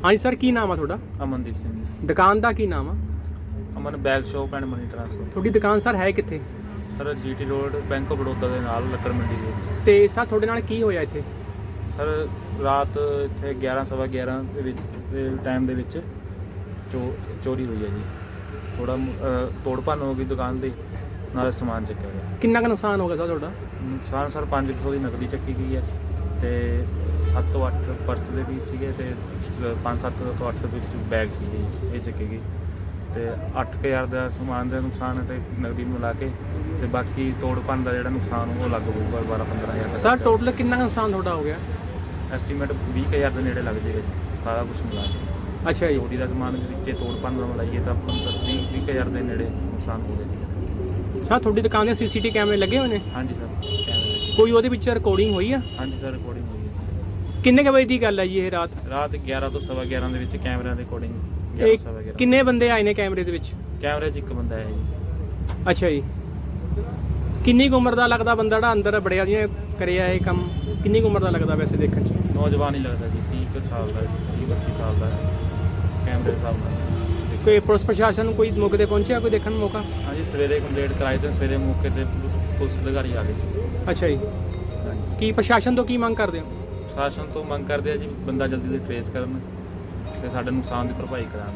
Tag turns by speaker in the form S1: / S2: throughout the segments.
S1: ਹਾਂਜੀ ਸਰ, ਕੀ ਨਾਮ ਆ ਤੁਹਾਡਾ?
S2: ਅਮਨਦੀਪ ਸਿੰਘ ਜੀ।
S1: ਦੁਕਾਨ ਦਾ ਕੀ ਨਾਮ ਆ?
S2: Aman bag shop and money transfer.
S1: ਤੁਹਾਡੀ ਦੁਕਾਨ ਸਰ ਹੈ ਕਿੱਥੇ?
S2: Sir GT road bank of Baroda ਦੇ ਨਾਲ ਲੱਕੜ ਮੰਡੀ ਦੇ ਵਿੱਚ।
S1: ਤੇ ਸਰ ਤੁਹਾਡੇ ਨਾਲ ਕੀ ਹੋਇਆ ਇੱਥੇ?
S2: ਸਰ ਰਾਤ ਇੱਥੇ 11 ਸਵਾ 11 ਦੇ ਵਿੱਚ ਦੇ ਟਾਈਮ ਦੇ ਵਿੱਚ ਚੋਰੀ ਹੋਈ ਹੈ ਜੀ। ਥੋੜਾ ਤੋੜ ਭੰਨ ਹੋ ਗਈ ਦੁਕਾਨ ਦੀ, ਨਾਲ ਸਮਾਨ ਚੱਕਿਆ ਗਿਆ।
S1: ਕਿੰਨਾ ਕੁ ਨੁਕਸਾਨ ਹੋ ਗਿਆ ਸਰ ਤੁਹਾਡਾ?
S2: ਨੁਕਸਾਨ ਸਰ 500 ਦੀ ਨਕਦੀ ਚੱਕੀ ਗਈ ਹੈ ਤੇ 7 ਤੋਂ 8 ਪਰਸ ਦੇ ਵੀ ਸੀਗੇ ਤੇ 5-7 ਤੋਂ 8 ਦੇ ਵਿੱਚ ਬੈਗ ਸੀਗੇ, ਇਹ ਚੱਕੇ ਗਏ। ਤੇ 8000 ਦਾ ਸਮਾਨ ਦਾ ਨੁਕਸਾਨ ਹੈ ਤੇ ਨਕਦੀ ਮਿਲਾ ਕੇ, ਤੇ ਬਾਕੀ ਤੋੜ ਭੰਨ ਦਾ ਜਿਹੜਾ ਨੁਕਸਾਨ ਉਹ ਲੱਗ ਹੋਊਗਾ 12-15 ਹਜ਼ਾਰ।
S1: ਸਰ ਟੋਟਲ ਕਿੰਨਾ ਕੁ ਨੁਕਸਾਨ ਤੁਹਾਡਾ ਹੋ ਗਿਆ?
S2: ਐਸਟੀਮੇਟ 20,000 ਦੇ ਨੇੜੇ ਲੱਗ ਜਾਏਗਾ ਜੀ, ਸਾਰਾ ਕੁਝ ਮਿਲਾ ਕੇ।
S1: ਅੱਛਾ ਜੀ।
S2: ਚੋਰੀ ਦਾ ਸਮਾਨ ਵਿੱਚੇ ਤੋੜ ਭੰਨ ਦਾ ਮਿਲਾਈਏ ਤਾਂ 20,000 ਦੇ ਨੇੜੇ ਨੁਕਸਾਨ ਹੋ ਗਿਆ।
S1: ਸਰ ਤੁਹਾਡੀ ਦੁਕਾਨ ਦੇ ਸੀਸੀਟੀ ਕੈਮਰੇ ਲੱਗੇ ਹੋਏ ਨੇ?
S2: ਹਾਂਜੀ ਸਰ, ਕੈਮਰੇ।
S1: ਕੋਈ ਉਹਦੇ ਵਿੱਚ ਰਿਕਾਰਡਿੰਗ ਹੋਈ ਆ?
S2: ਹਾਂਜੀ ਸਰ, ਰਿਕਾਰਡਿੰਗ ਹੋਈ ਹੈ।
S1: ਕਿੰਨੇ ਕੁ ਵਜੇ ਦੀ ਗੱਲ ਹੈ ਜੀ ਇਹ ਰਾਤ?
S2: ਰਾਤ 11 ਤੋਂ ਸਵਾ 11 ਦੇ ਵਿੱਚ ਕੈਮਰਿਆਂ ਦੇ ਰਿਕਾਰਡਿੰਗ।
S1: ਕਿੰਨੇ ਬੰਦੇ ਆਏ ਨੇ ਕੈਮਰੇ ਦੇ ਵਿੱਚ?
S2: ਕੈਮਰੇ 'ਚ ਇੱਕ ਬੰਦਾ ਹੈ ਜੀ।
S1: ਅੱਛਾ ਜੀ। ਕਿੰਨੀ ਕੁ ਉਮਰ ਦਾ ਲੱਗਦਾ ਬੰਦਾ ਜਿਹੜਾ ਅੰਦਰ ਬੜਿਆ ਜਿਹਨੇ ਕਰਿਆ ਇਹ ਕੰਮ? ਕਿੰਨੀ ਕੁ ਉਮਰ ਦਾ ਲੱਗਦਾ ਵੈਸੇ ਦੇਖਣ 'ਚ?
S2: ਨੌਜਵਾਨ ਹੀ ਲੱਗਦਾ ਜੀ, 30 ਸਾਲ ਦਾ, 30-32 ਸਾਲ ਦਾ ਕੈਮਰੇ ਦੇ ਹਿਸਾਬ ਨਾਲ।
S1: ਕੋਈ ਪੁਲਿਸ ਪ੍ਰਸ਼ਾਸਨ ਨੂੰ ਕੋਈ ਮੌਕੇ ਤੇ ਪਹੁੰਚਿਆ, ਕੋਈ ਦੇਖਣ ਨੂੰ ਮੌਕਾ?
S2: ਹਾਂਜੀ, ਸਵੇਰੇ ਕੰਪਲੇਂਟ ਕਰਾਈ ਤੇ ਸਵੇਰੇ ਮੌਕੇ ਤੇ ਪੁਲਿਸ ਅਧਿਕਾਰੀ ਆ ਗਏ ਸੀ।
S1: ਅੱਛਾ ਜੀ। ਕੀ ਪ੍ਰਸ਼ਾਸਨ ਤੋਂ ਕੀ ਮੰਗ ਕਰਦੇ ਹੋ?
S2: ਪ੍ਰਸ਼ਾਸਨ ਤੋਂ ਮੰਗ ਕਰਦੇ ਆ ਜੀ, ਬੰਦਾ ਜਲਦੀ ਤੋਂ ਟ੍ਰੇਸ ਕਰਨ ਤੇ ਸਾਡੇ ਨੁਕਸਾਨ ਦੀ ਭਰਪਾਈ ਕਰਾਉਣ।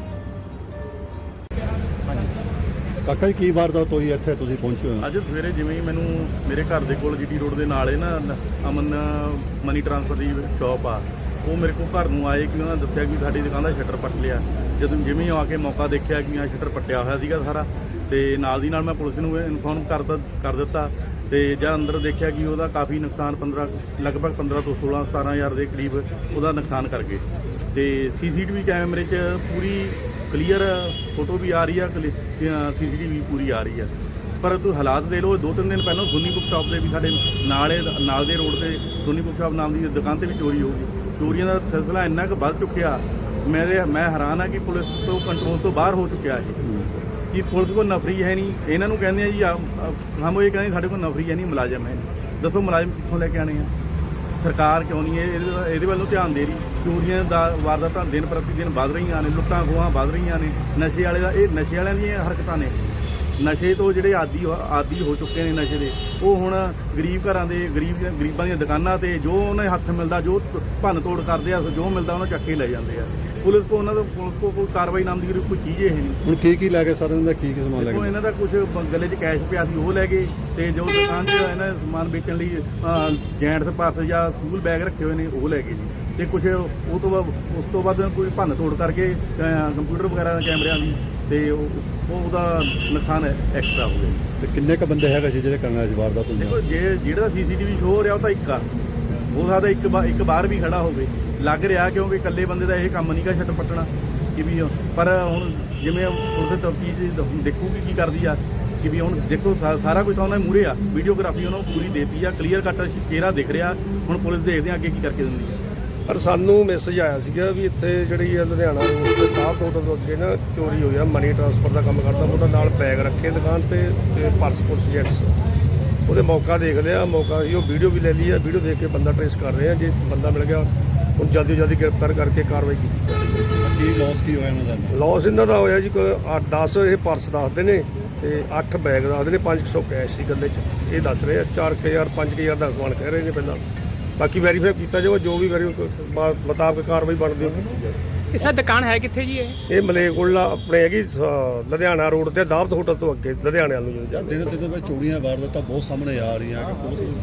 S3: ਕਾਕਾ ਜੀ, ਕੀ ਵਾਰਦਾਤ ਹੋਈ ਇੱਥੇ ਤੁਸੀਂ ਪਹੁੰਚੇ ਹੋ?
S4: ਅੱਜ ਸਵੇਰੇ ਜਿਵੇਂ ਹੀ ਮੈਨੂੰ ਮੇਰੇ ਘਰ ਦੇ ਕੋਲ ਜੀਟੀ ਰੋਡ ਦੇ ਨਾਲ ਹੈ ਨਾ ਅਮਨ ਮਨੀ ਟ੍ਰਾਂਸਫਰ ਦੀ ਸ਼ਾਪ ਆ, ਉਹ ਮੇਰੇ ਕੋਲ ਘਰ ਨੂੰ ਆਏ ਕਿ ਉਹਨਾਂ ਨੇ ਦੱਸਿਆ ਕਿ ਸਾਡੀ ਦੁਕਾਨ ਦਾ ਸ਼ਟਰ ਪੱਟ ਲਿਆ। ਜਦੋਂ ਜਿਵੇਂ ਹੀ ਆ ਕੇ ਮੌਕਾ ਦੇਖਿਆ ਕਿ ਆ ਸ਼ਟਰ ਪੱਟਿਆ ਹੋਇਆ ਸੀਗਾ ਸਾਰਾ, ਤੇ ਨਾਲ ਦੀ ਨਾਲ ਮੈਂ ਪੁਲਿਸ ਨੂੰ ਇਨਫੋਰਮ ਕਰ ਦਿੱਤਾ। ਤੇ ਜਦ ਅੰਦਰ ਦੇਖਿਆ ਕਿ ਉਹਦਾ ਕਾਫੀ ਨੁਕਸਾਨ ਲਗਭਗ 15 ਤੋਂ 16-17 ਹਜ਼ਾਰ ਦੇ ਕਰੀਬ ਉਹਦਾ ਨੁਕਸਾਨ ਕਰ ਗਏ। ਤੇ ਸੀਸੀਟੀਵੀ ਕੈਮਰੇ 'ਚ ਪੂਰੀ ਕਲੀਅਰ ਫੋਟੋ ਵੀ ਆ ਰਹੀ ਆ, ਸੀਸੀਟੀਵੀ ਪੂਰੀ ਆ ਰਹੀ ਆ। ਪਰ ਤੂੰ ਹਾਲਾਤ ਦੇ ਲਓ, 2-3 ਦਿਨ ਪਹਿਲਾਂ ਸੋਨੀ ਬੁੱਕ ਸ਼ਾਪ ਦੇ ਵੀ ਸਾਡੇ ਨਾਲ ਦੇ ਰੋਡ ਤੇ ਸੋਨੀ ਬੁੱਕ ਸ਼ਾਪ ਨਾਮ ਦੀ ਦੁਕਾਨ ਤੇ ਵੀ ਚੋਰੀ ਹੋ ਗਈ। ਚੋਰੀਆਂ ਦਾ ਸਿਲਸਿਲਾ ਇੰਨਾ ਕੁ ਵੱਧ ਚੁੱਕਿਆ, ਮੈਂ ਹੈਰਾਨ ਆ ਕਿ ਪੁਲਿਸ ਤੋਂ ਕੰਟਰੋਲ ਤੋਂ ਬਾਹਰ ਹੋ ਚੁੱਕਿਆ ਇਹ। ਕਿ ਪੁਲਿਸ ਕੋਲ ਨਫਰੀ ਹੈ ਨਹੀਂ। ਇਹਨਾਂ ਨੂੰ ਕਹਿੰਦੇ ਆ ਜੀ ਹਮ ਇਹ ਕਹਿੰਦੇ ਸਾਡੇ ਕੋਲ ਨਫਰੀ ਹੈ ਨਹੀਂ, ਮੁਲਾਜ਼ਮ ਹੈ। ਦੱਸੋ ਮੁਲਾਜ਼ਮ ਕਿੱਥੋਂ ਲੈ ਕੇ ਆਣੇ ਆ? ਸਰਕਾਰ ਕਿਉਂ ਨਹੀਂ ਇਹਦੇ ਵੱਲੋਂ ਧਿਆਨ ਦੇ ਰਹੀ? ਚੋਰੀਆਂ ਦਾ ਵਾਰਦਾਤਾਂ ਦਿਨ ਪ੍ਰਤੀ ਦਿਨ ਵੱਧ ਰਹੀਆਂ ਨੇ, ਲੁੱਟਾਂ ਖੋਹਾਂ ਵੱਧ ਰਹੀਆਂ ਨੇ। ਨਸ਼ੇ ਵਾਲਿਆਂ ਦੀਆਂ ਹਰਕਤਾਂ ਨੇ। ਨਸ਼ੇ ਤੋਂ ਜਿਹੜੇ ਆਦੀ ਹੋ ਚੁੱਕੇ ਨੇ ਨਸ਼ੇ ਦੇ, ਉਹ ਹੁਣ ਗਰੀਬ ਘਰਾਂ ਦੇ ਗਰੀਬਾਂ ਦੀਆਂ ਦੁਕਾਨਾਂ ਤੇ ਜੋ ਉਹਨਾਂ ਦੇ ਹੱਥ ਮਿਲਦਾ, ਜੋ ਭੰਨ ਤੋੜ ਕਰਦੇ ਆ, ਜੋ ਮਿਲਦਾ ਉਹਨਾਂ ਚੱਕ ਕੇ ਲੈ ਜਾਂਦੇ ਆ। ਪੁਲਿਸ ਕੋ ਕੋਈ ਕਾਰਵਾਈ ਨਾਮ ਦੀ ਕੋਈ ਚੀਜ਼ ਇਹ ਨਹੀਂ।
S3: ਹੁਣ ਕੀ ਲੈ ਗਏ ਸਰ? ਇਹਨਾਂ ਦਾ ਕੀ ਸਮਾਨ ਲੈ ਗਏ?
S4: ਇਹਨਾਂ ਦਾ ਕੁਝ ਗੱਲੇ 'ਚ ਕੈਸ਼ ਪਿਆ ਸੀ, ਉਹ ਲੈ ਗਏ। ਤੇ ਜੋ ਦੁਕਾਨ 'ਚ ਇਹਨਾਂ ਸਮਾਨ ਵੇਚਣ ਲਈ ਜੈਂਟਸ ਪਰਸ ਜਾਂ ਸਕੂਲ ਬੈਗ ਰੱਖੇ ਹੋਏ ਨੇ, ਉਹ ਲੈ ਗਏ ਜੀ। ਤੇ ਕੁਝ ਉਸ ਤੋਂ ਬਾਅਦ ਕੋਈ ਭੰਨ ਤੋੜ ਕਰਕੇ ਕੰਪਿਊਟਰ ਵਗੈਰਾ ਕੈਮਰਿਆਂ ਦੀ, ਤੇ ਉਹਦਾ ਨੁਕਸਾਨ ਐਕਸਟਰਾ ਹੋ ਗਿਆ।
S3: ਤੇ ਕਿੰਨੇ ਕ ਬੰਦੇ ਹੈਗੇ ਸੀ ਜਿਹੜੇ ਕਰਨ ਵਾਲੇ ਵਾਰਦਾਤ ਹੋਈ?
S4: ਦੇਖੋ, ਜਿਹੜਾ ਸੀਸੀਟੀਵੀ ਸ਼ੋਅ ਹੋ ਰਿਹਾ ਉਹ ਤਾਂ ਇੱਕ ਆ, ਹੋ ਸਕਦਾ ਇੱਕ ਬਾਹਰ ਵੀ ਖੜਾ ਹੋਵੇ। ਲੱਗ ਰਿਹਾ ਕਿਉਂਕਿ ਇਕੱਲੇ ਬੰਦੇ ਦਾ ਇਹ ਕੰਮ ਨਹੀਂ ਗਾ ਸ਼ਟਰ ਪੱਟਣਾ ਕਿ ਵੀ। ਪਰ ਹੁਣ ਜਿਵੇਂ ਉਹਦੇ ਤਫਤੀਸ਼ ਦੇਖੂਗੀ ਕੀ ਕਰਦੀ ਆ ਕਿ ਵੀ। ਹੁਣ ਦੇਖੋ ਸਾਰਾ ਕੁਝ ਤਾਂ ਉਹਨਾਂ ਦੇ ਮੂਹਰੇ ਆ, ਵੀਡੀਓਗ੍ਰਾਫੀ ਉਹਨਾਂ ਨੂੰ ਪੂਰੀ ਦੇਤੀ ਆ, ਕਲੀਅਰ ਕੱਟ ਚਿਹਰਾ ਦਿਖ ਰਿਹਾ। ਹੁਣ ਪੁਲਿਸ ਦੇਖਦੇ ਆ ਅੱਗੇ ਕੀ ਕਰਕੇ ਦਿੰਦੀ ਆ।
S5: ਪਰ ਸਾਨੂੰ ਮੈਸੇਜ ਆਇਆ ਸੀਗਾ ਵੀ ਇੱਥੇ ਜਿਹੜੀ ਲੁਧਿਆਣਾ ਰੋਡ ਤੇ ਸਾਹਿਬ ਹੋਟਲ ਤੋਂ ਅੱਗੇ ਨਾ ਚੋਰੀ ਹੋਈ ਆ। ਮਨੀ ਟ੍ਰਾਂਸਫਰ ਦਾ ਕੰਮ ਕਰਦਾ, ਉਹਦਾ ਨਾਲ ਬੈਗ ਰੱਖੇ ਦੁਕਾਨ ਤੇ ਪਰਸ ਪੁਰਸ ਜੈਂਟਸ। ਉਹਦੇ ਮੌਕਾ ਦੇਖ ਲਿਆ, ਮੌਕਾ ਸੀ ਉਹ ਵੀਡੀਓ ਵੀ ਲੈ ਲਈ ਆ। ਵੀਡੀਓ ਦੇਖ ਕੇ ਬੰਦਾ ਟ੍ਰੇਸ ਕਰ ਰਹੇ ਆ। ਜੇ ਬੰਦਾ ਮਿਲ ਗਿਆ ਹੁਣ ਜਲਦੀ ਗ੍ਰਿਫਤਾਰ ਕਰਕੇ ਕਾਰਵਾਈ ਕੀਤੀ।
S3: ਕੀ ਲੋਸ ਕੀ ਹੋਇਆ ਇਹਨਾਂ ਦਾ?
S5: ਲੋਸ ਇਹਨਾਂ ਦਾ ਹੋਇਆ ਜੀ ਕੋਈ 10 ਇਹ ਪਰਸ ਦੱਸਦੇ ਨੇ ਤੇ 8 ਬੈਗ ਦੱਸਦੇ ਨੇ, 500 ਕੈਸ਼ ਸੀ ਗੱਲੇ 'ਚ ਇਹ ਦੱਸ ਰਹੇ ਆ। 4000 5000 ਦਾ ਸਮਾਨ ਕਹਿ ਰਹੇ ਨੇ ਪਹਿਲਾਂ। ਬਾਕੀ ਵੈਰੀਫਾਈ ਕੀਤਾ ਜਾਊਗਾ, ਜੋ ਵੀ ਮੁਤਾਬਕ ਕਾਰਵਾਈ ਬਣਦੀ ਉਹ ਕੀਤੀ ਜਾਵੇ।
S1: ਇਹ ਸਰ ਦੁਕਾਨ ਹੈ ਕਿੱਥੇ ਜੀ? ਇਹ
S5: ਮਲੇਰਕੋਟਲਾ ਆਪਣੇ ਹੈਗੀ ਲੁਧਿਆਣਾ ਰੋਡ ਤੇ ਦਾਵਤ ਹੋਟਲ ਤੋਂ ਅੱਗੇ ਲੁਧਿਆਣੇ ਵੱਲ ਨੂੰ ਜਾ।
S3: ਦਿਨ ਵਿੱਚ ਚੋਰੀਆਂ ਵਾਰਦਾਤਾਂ ਬਹੁਤ ਸਾਹਮਣੇ ਆ ਰਹੀਆਂ ਕਿ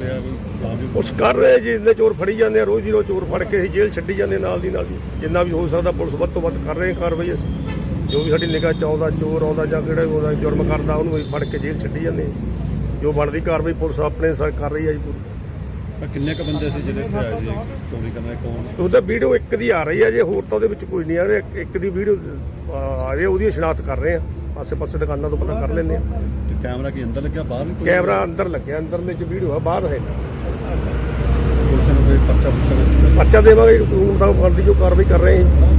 S3: ਪੁਲਿਸ
S5: ਉਸ ਕਰ ਰਹੇ ਜੀ, ਇੰਨੇ ਚੋਰ ਫੜੀ ਜਾਂਦੇ ਆ ਰੋਜ਼ ਦੀ ਰੋਜ਼। ਚੋਰ ਫੜ ਕੇ ਅਸੀਂ ਜੇਲ੍ਹ ਛੱਡੀ ਜਾਂਦੇ ਨਾਲ ਦੀ ਨਾਲ ਜੀ। ਜਿੰਨਾ ਵੀ ਹੋ ਸਕਦਾ ਪੁਲਿਸ ਵੱਧ ਤੋਂ ਵੱਧ ਕਰ ਰਹੇ ਕਾਰਵਾਈ। ਅਸੀਂ ਜੋ ਵੀ ਸਾਡੀ ਨਿਗਾਹ 'ਚ ਆਉਂਦਾ ਚੋਰ ਆਉਂਦਾ ਜਾਂ ਕਿਹੜਾ ਉਹਦਾ ਜੁਰਮ ਕਰਦਾ, ਉਹਨੂੰ ਅਸੀਂ ਫੜ ਕੇ ਜੇਲ੍ਹ ਛੱਡੀ ਜਾਂਦੇ। ਜੋ ਬਣਦੀ ਕਾਰਵਾਈ ਪੁਲਿਸ ਆਪਣੇ ਕਰ ਰਹੀ ਹੈ ਜੀ ਪੂਰੀ।
S3: ਕਿੰਨੇ ਕ ਬੰਦੇ ਸੀ ਜਿਹੜੇ ਇੱਥੇ ਆਏ ਸੀ ਚੋਰੀ ਕਰਨ ਵਾਲੇ? ਕੌਣ?
S5: ਉਹਦਾ ਵੀਡੀਓ ਇੱਕ ਦੀ ਆ ਰਹੀ ਹੈ ਜੇ, ਹੋਰ ਤਾਂ ਉਹਦੇ ਵਿੱਚ ਕੋਈ ਨਹੀਂ ਆ ਰਿਹਾ। ਇੱਕ ਦੀ ਵੀਡੀਓ ਆ ਰਹੀ, ਉਹਦੀ ਸ਼ਨਾਖਤ ਕਰ ਰਹੇ ਆ। ਆਸੇ-ਪਾਸੇ ਦੁਕਾਨਾਂ ਤੋਂ ਪਤਾ ਕਰ ਲੈਂਦੇ ਆ।
S3: ਤੇ ਕੈਮਰਾ ਕੀ ਅੰਦਰ ਲੱਗਿਆ, ਬਾਹਰ ਵੀ?
S5: ਕੈਮਰਾ ਅੰਦਰ ਲੱਗਿਆ, ਅੰਦਰਲੇ 'ਚ ਵੀਡੀਓ ਆ, ਬਾਹਰ ਹੈ।
S3: ਪੁਲਿਸ ਨੂੰ ਕੋਈ ਪਰਚਾ
S5: ਦੇਵਾਂਗੇ, ਕਾਨੂੰਨ ਦਾ ਬਣਦੀ ਜੋ ਕਾਰਵਾਈ ਕਰ ਰਹੇ ਹਾਂ।